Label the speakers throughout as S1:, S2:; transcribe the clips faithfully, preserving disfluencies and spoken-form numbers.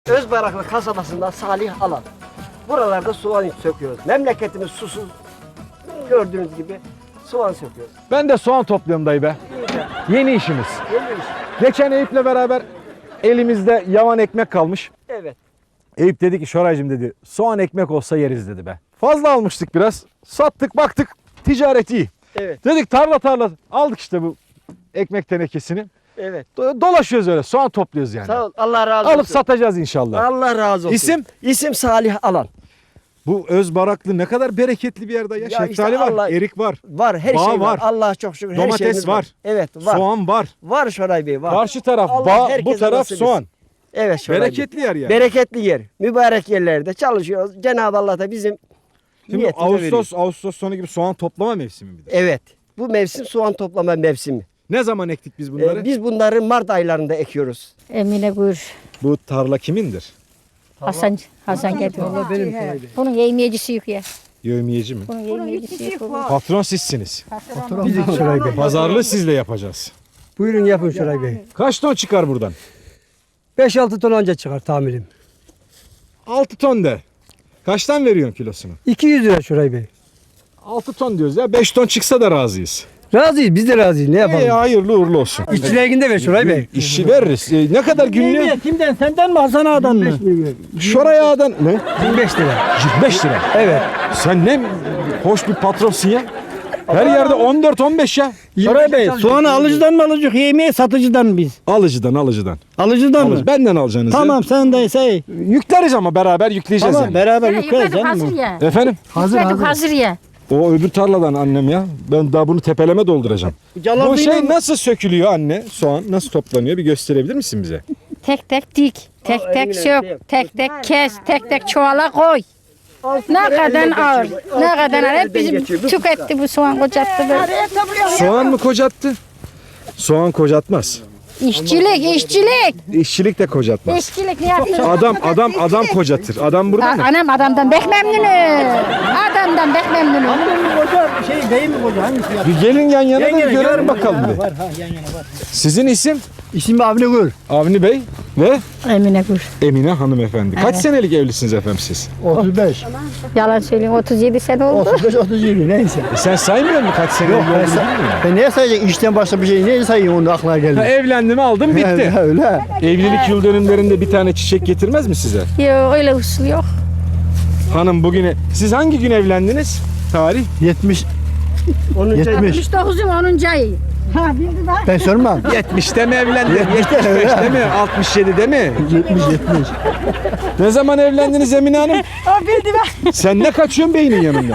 S1: Özbaraklı kasabasından Salih Alan. Buralarda soğan söküyoruz. Memleketimiz susuz. Gördüğünüz gibi soğan söküyoruz.
S2: Ben de soğan topluyorum dayı be. Yeni işimiz.
S1: Yeni iş.
S2: Geçen Eyüp'le beraber elimizde yavan ekmek kalmış.
S1: Evet.
S2: Eyüp dedi ki Şoraycığım dedi soğan ekmek olsa yeriz dedi be. Fazla almıştık biraz. Sattık baktık ticaret iyi.
S1: Evet.
S2: Dedik tarla tarla aldık işte bu ekmek tenekesini.
S1: Evet.
S2: Do- Dolaşıyoruz öyle soğan topluyoruz yani.
S1: Sağ ol. Allah razı olsun.
S2: Alıp satacağız inşallah.
S1: Allah razı olsun.
S2: İsim?
S1: İsim Salih Alan.
S2: Bu Özbaraklı ne kadar bereketli bir yerde ya.
S1: Ya
S2: Şeftali
S1: işte
S2: var,
S1: Allah-
S2: erik var,
S1: Var her
S2: Bağ
S1: şey var.
S2: var.
S1: Allah'a çok şükür her
S2: domates
S1: şeyimiz
S2: var,
S1: Evet var.
S2: soğan var.
S1: Var Şoray Bey var.
S2: Karşı taraf
S1: Allah
S2: bağ, bu
S1: herkese
S2: taraf
S1: nasip
S2: soğan.
S1: etsin. Evet Şoray Bey.
S2: Bereketli yer yani.
S1: Bereketli yer. Mübarek yerlerde çalışıyoruz. Cenab-ı Allah da bizim
S2: Şimdi
S1: niyetimize veriyor.
S2: Ağustos, Ağustos sonu gibi soğan toplama mevsimi midir?
S1: Evet. Bu mevsim soğan toplama mevsimi.
S2: Ne zaman ektik biz bunları?
S1: Ee, biz bunları Mart aylarında ekiyoruz.
S3: Emine buyur.
S2: Bu tarla kimindir?
S3: Hasan Hasan geldi.
S1: Allah benim Şoray Bey.
S3: Bunun yemeyecisi yok ya.
S2: Yevmiyeci mi?
S3: Bunun yemeyecisi yok.
S2: Patron sizsiniz.
S1: Bizim Şoray Bey.
S2: Pazarlığı sizle yapacağız.
S4: Buyurun yapın Şoray Bey.
S2: Kaç ton çıkar buradan?
S4: beş altı ton anca çıkar tahminim.
S2: altı ton de. Kaçtan veriyorsun kilosunu?
S4: iki yüz lira Şoray Bey.
S2: altı ton diyoruz ya. beş ton çıksa da razıyız.
S4: Razıyız biz de razıyız ne yapalım.
S2: İyi, hayırlı uğurlu olsun.
S4: İşçilerinde ver Şoray Bey.
S2: İşçi veririz. Ee, ne kadar günlüğü?
S4: Kimden senden mi Hasan Ağa'dan mı?
S2: Şoray Ağa'dan ne?
S4: yirmi beş lira.
S2: yirmi beş lira.
S4: Evet.
S2: Sen ne hoş bir patronsun ya. Her yerde on dört on beş ya.
S5: Şoray Bey soğanı alıcıdan mı alacak yemeği satıcıdan mı biz?
S2: Alıcıdan alıcıdan.
S5: Alıcıdan
S2: Alıcı.
S5: mı?
S2: Benden alacaksınız.
S5: Tamam sen de şey.
S2: Yükleriz ama beraber yükleyeceğiz
S5: Tamam
S2: yani.
S5: beraber
S3: Ya,
S5: yükleriz
S3: yıkadık hazır
S5: canım.
S3: ya.
S2: Efendim?
S4: Hazır
S3: Yıkadık
S4: hazır.
S3: hazır ya.
S2: O öbür tarladan annem ya. Ben daha bunu tepeleme dolduracağım. Bu şey nasıl sökülüyor anne? Soğan nasıl toplanıyor? Bir gösterebilir misin bize?
S3: Tek tek dik. Tek
S1: Aa,
S3: tek
S1: eline şey yap.
S3: sök. Tek tek kes. Tek tek çuvala koy. Ne kadar ağır. Ne kadar ağır. Hep bizim tüketti bu soğan kocattı böyle.
S2: Soğan mı kocattı? Soğan kocatmaz.
S3: İşçilik, işçilik.
S2: İşçilik de kocatmaz.
S3: İşçilik ne yapıyor?
S2: Adam adam adam kocatır. Adam burada mı?
S3: Anam adamdan pek memnunum. Adamdan pek memnunum.
S5: Koca şey değil mi koca hangisi ya?
S2: Bir gelin yan yana da
S5: Yan yana,
S2: görelim
S5: yan
S2: bakalım
S5: yana
S2: bir.
S5: var ha yan yana var.
S2: Sizin isim?
S4: İsim Avni Gül.
S2: Avni Bey ve
S3: Emine Gür.
S2: Emine hanımefendi. Kaç
S3: Evet.
S2: senelik evlisiniz efendim siz?
S4: otuz beş.
S3: Yalan söyleyeyim otuz yedi sene oldu.
S4: otuz beş otuz yedi neyse.
S2: E sen saymıyor musun kaç senelik
S4: Yok ben,
S2: olduğunu
S4: say-
S2: bilmiyor musun?
S4: ben neye sayacak işten başka bir şey neye sayayım onu aklına
S2: Ha,
S4: geldi.
S2: evlendim aldım bitti.
S4: Öyle.
S2: Evlilik yıl dönümlerinde bir tane çiçek getirmez mi size?
S3: Yok öyle usul yok.
S2: Hanım bugüne... Siz hangi gün evlendiniz? Tarih?
S4: yetmiş. yetmiş.
S3: altmış dokuzun onuncu ayı. Ha bildi bak.
S4: Ben sormam.
S2: yetmişte mi evlendin?
S4: Yetmişte,
S2: yetmiş beşte
S4: öyle.
S2: mi? altmış yedide mi?
S4: yetmiş yetmiş.
S2: Ne zaman evlendiniz Emine Hanım?
S3: O bildi bak.
S2: Sen ne kaçıyorsun beynin yanında?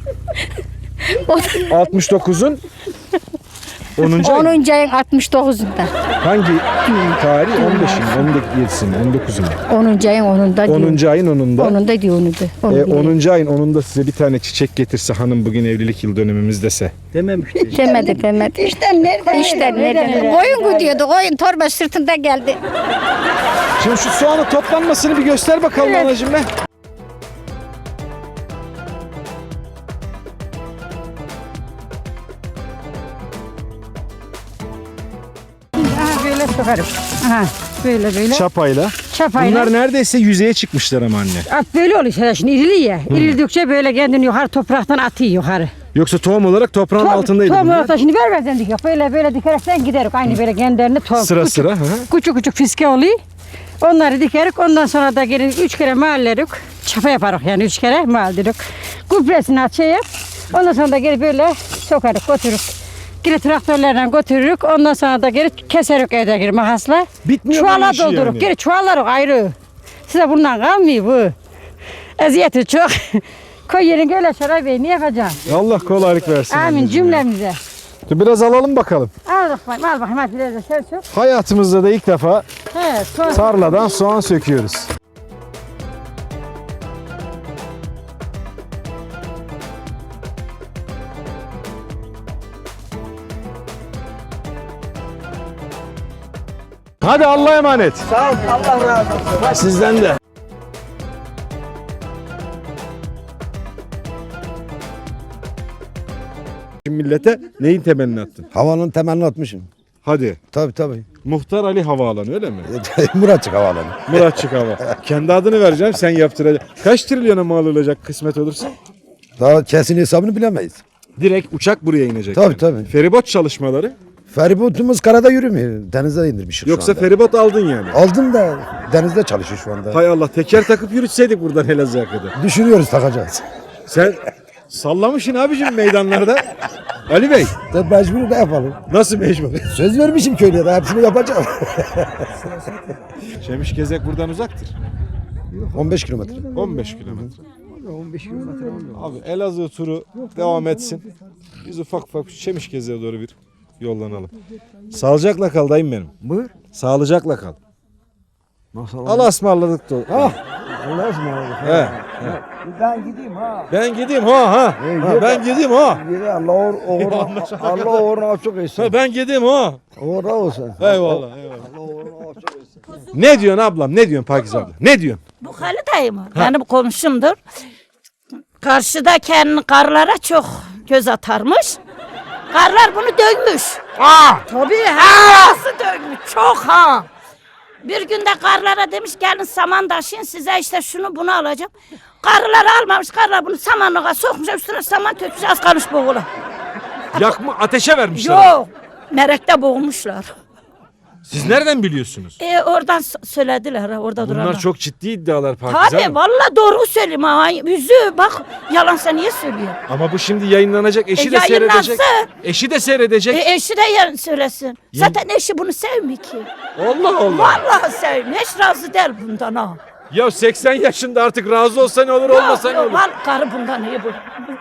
S2: altmış dokuzun onuncu ayı.
S3: onuncu ayın altmış dokuzunda.
S2: Hangi tarih? on beşin, on yedisinin, on dokuzun.
S3: onuncu ayın onunda diyor.
S2: onuncu ayın onunda.
S3: Onunda diyor onu da. Onu
S2: E,
S3: biliyor.
S2: onuncu ayın onunda size bir tane çiçek getirse hanım bugün evlilik yıl dönümümüz dese.
S5: Dememişti.
S3: Demedi demedi. İşten nereden? İşten nereden? Koyun gidiyordu. Koyun torba sırtında geldi.
S2: Şimdi şu soğanın toplanmasını bir göster bakalım
S3: Evet.
S2: anacığım be.
S3: Aha böyle sokarım. Aha böyle böyle.
S2: Çapayla.
S3: Çapayla.
S2: Bunlar neredeyse yüzeye çıkmışlar ama anne.
S6: At böyle oluyor işte şimdi irili ya. İrildikçe böyle kendini yukarı topraktan atıyor yukarı.
S2: Yoksa tohum olarak toprağın
S6: Top-
S2: altındaydı
S6: Tohum
S2: bunlar.
S6: olarak şimdi vermezden dikiyor. Böyle böyle dikerekten giderik. Aynı böyle kendilerini tohum.
S2: Sıra
S6: küçük,
S2: sıra. Hı.
S6: Küçük küçük fiske oluyor. Onları dikerik. Ondan sonra da gelin üç kere mahallerik. Çapa yaparız yani üç kere mahallerik. Gübresini açayım. Ondan sonra da geri böyle sokarık götürürük. Geri traktörlerle götürürük. Ondan sonra da geri keserik evde geri makasla.
S2: Bitmiyor bunun
S6: Çuvala
S2: işi
S6: doldururuk.
S2: yani.
S6: Geri çuvallarız ayrı. Size bundan kalmıyor bu. Eziyeti çok. Koy yerin öyle Şoray Bey ne yapacaksın?
S2: Allah kolaylık versin.
S6: Amin
S2: anneciğim ya.
S6: cümlemize.
S2: Dur biraz alalım bakalım.
S6: Al bakayım al bakayım hadi biraz da sen sök.
S2: Hayatımızda da ilk defa
S6: He son.
S2: tarladan soğan söküyoruz. Hadi Allah'a emanet.
S1: Sağ ol. Allah razı olsun.
S2: Sizden de. Millete neyin temelini attın?
S7: Havanın temelini atmışım.
S2: Hadi.
S7: Tabii tabii.
S2: Muhtar Ali Havaalanı öyle mi?
S7: Muratçık Havaalanı.
S2: Muratçık Hava. Kendi adını vereceğim, sen yaptıracaksın. Kaç trilyona mal olacak kısmet olursa?
S7: Daha kesin hesabını bilemeyiz.
S2: Direkt uçak buraya inecek.
S7: Tabii,
S2: yani.
S7: tabii.
S2: Feribot çalışmaları.
S7: Feribotumuz karada yürümüyor. Denize indirmişiz
S2: Yoksa
S7: şu anda.
S2: feribot aldın yani.
S7: Aldım da denizde çalışıyor şu anda.
S2: Hay Allah, teker takıp yürütseydik buradan Elazığ'a kadar.
S7: Düşünüyoruz takacağız.
S2: Sen sallamışsın abicim meydanlarda. Ali Bey,
S7: Da mecbur da yapalım.
S2: nasıl mecbur?
S7: Söz vermişim köylere hepsini yapacağım.
S2: Şemişgezek buradan uzaktır.
S7: on beş kilometre.
S2: on beş kilometre. Abi Elazığ turu devam etsin. Biz ufak ufak Şemişgeze'ye doğru bir yollanalım. Sağlıcakla kal dayım benim.
S1: Buyur.
S2: Sağlıcakla kal.
S1: Nasıl
S2: Allah'a ısmarladık da.
S1: Ah. Allah'a ısmarladık.
S2: He.
S1: Ben gideyim ha.
S2: Ben gideyim ha ha. Ha, ben gideyim ha.
S1: Yine Allah uğur, uğuruna, Allah uğruna açık etsin.
S2: Ha, ben gideyim ha.
S1: Uğurna olsun.
S2: Eyvallah eyvallah.
S1: Allah uğruna açık etsin.
S2: Ne diyorsun ablam? Ne diyorsun Pakize abla? Ne diyorsun?
S8: Bu Halı dayı mı? Benim komşumdur. Karşıda kendi karlara çok göz atarmış. Karlar bunu dövmüş. Aa! Tabii ha. Nasıl dövmüş? Çok ha. Bir günde karlara demiş gelin saman taşıyın size işte şunu bunu alacağım. Karılar almamış. Karlar bunu samanlığa sokmuş. Üstüne saman tökmüş az kalmış boğula.
S2: Yakma ateşe vermişler.
S8: Yok. Merekte boğulmuşlar.
S2: Siz nereden biliyorsunuz?
S8: E, oradan s- söylediler ha, orada
S2: Bunlar
S8: duranlar.
S2: çok ciddi iddialar Pakize
S8: Tabii
S2: Hanım.
S8: vallahi doğru söyleyeyim ha. Yüzü bak yalansa niye söylüyor?
S2: Ama bu şimdi yayınlanacak. Eşi
S8: E,
S2: de seyredecek.
S8: yayınlansın.
S2: Eşi de seyredecek.
S8: E, eşi de yarın söylesin. Zaten eşi bunu sevmiyor ki.
S2: Allah Allah.
S8: Vallahi sevmiyor. Hiç razı değil bundan ha.
S2: Ya seksen yaşında artık razı olsa ne olur olmasa ne
S8: yok,
S2: olur.
S8: var karı bundan iyi bu.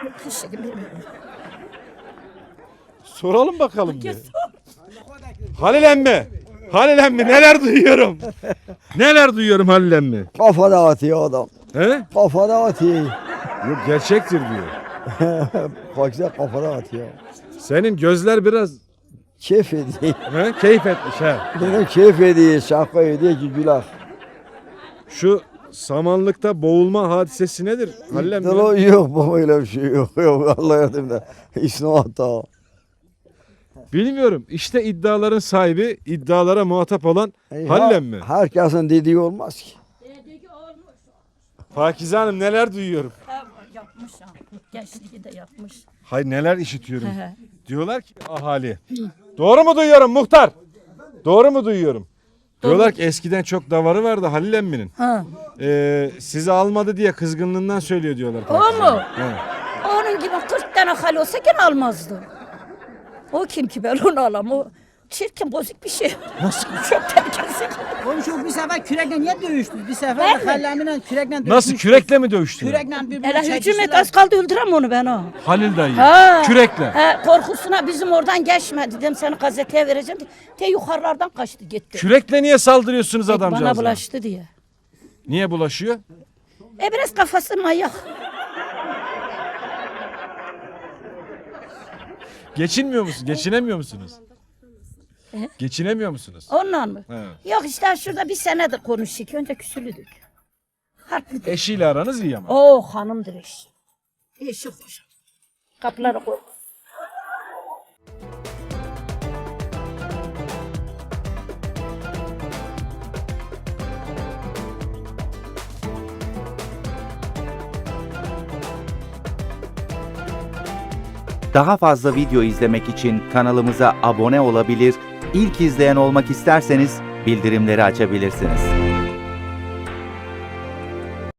S2: Soralım bakalım bir. Halil emmi. Halil emmi neler duyuyorum. Neler duyuyorum Halil emmi.
S1: Kafada atıyor adam.
S2: He?
S1: Kafada atıyor.
S2: Yok gerçektir diyor.
S1: Fakir kafada atıyor.
S2: Senin gözler biraz
S1: Keyif ediyor.
S2: he, keyif etmiş ha.
S1: Benim keyif ediyor. Şaka ediyor ki gülah.
S2: Şu samanlıkta boğulma hadisesi nedir? Halil emmi.
S1: Dalo yok baba öyle bir şey yok. Yok Allah yardımda. İşte hata.
S2: Bilmiyorum. İşte iddiaların sahibi, iddialara muhatap olan Halil emmi.
S1: Herkesin dediği olmaz ki.
S2: Pakize Hanım neler duyuyorum.
S8: Yapmış ha. Gençliği de yapmış.
S2: Hayır neler işitiyorum. Diyorlar ki ahali. Doğru mu duyuyorum muhtar? Doğru mu duyuyorum? Diyorlar ki eskiden çok davarı vardı Halil emminin.
S8: Ha.
S2: Ee, sizi almadı diye kızgınlığından söylüyor diyorlar.
S8: O
S2: Pakize
S8: mu?
S2: Hanım. He.
S8: Onun gibi kırk tane hal olsa gene almazdı. O kim ki ben onu alam. O çirkin bozuk bir şey. Nasıl? Çok tehlikeli.
S5: Komşu bir sefer kürekle niye dövüştünüz? Bir sefer de hallemle kürekle dövüştünüz.
S2: Nasıl kürekle mi dövüştün?
S5: Kürekle birbirine
S8: Hele hücum et
S5: çekiştiler.
S8: az kaldı öldürem onu ben o.
S2: Halil dayı.
S8: Ha.
S2: Kürekle.
S8: He, korkusuna bizim oradan geçme dedim seni gazeteye vereceğim diye. Te yukarılardan kaçtı gitti.
S2: Kürekle niye saldırıyorsunuz adamcağıza?
S8: Bana bulaştı diye.
S2: Niye bulaşıyor?
S8: E biraz kafası manyak.
S2: Geçinmiyor musunuz? Geçinemiyor musunuz? Geçinemiyor musunuz?
S8: Ondan mı?
S2: He.
S8: Yok işte şurada bir senedir konuştuk. Önce küsülüdük. Harpli.
S2: Eşiyle aranız iyi ama.
S8: Oo hanımdır eş. Eşi hoş. Kapıları koy.
S9: Daha fazla video izlemek için kanalımıza abone olabilir, ilk izleyen olmak isterseniz bildirimleri açabilirsiniz.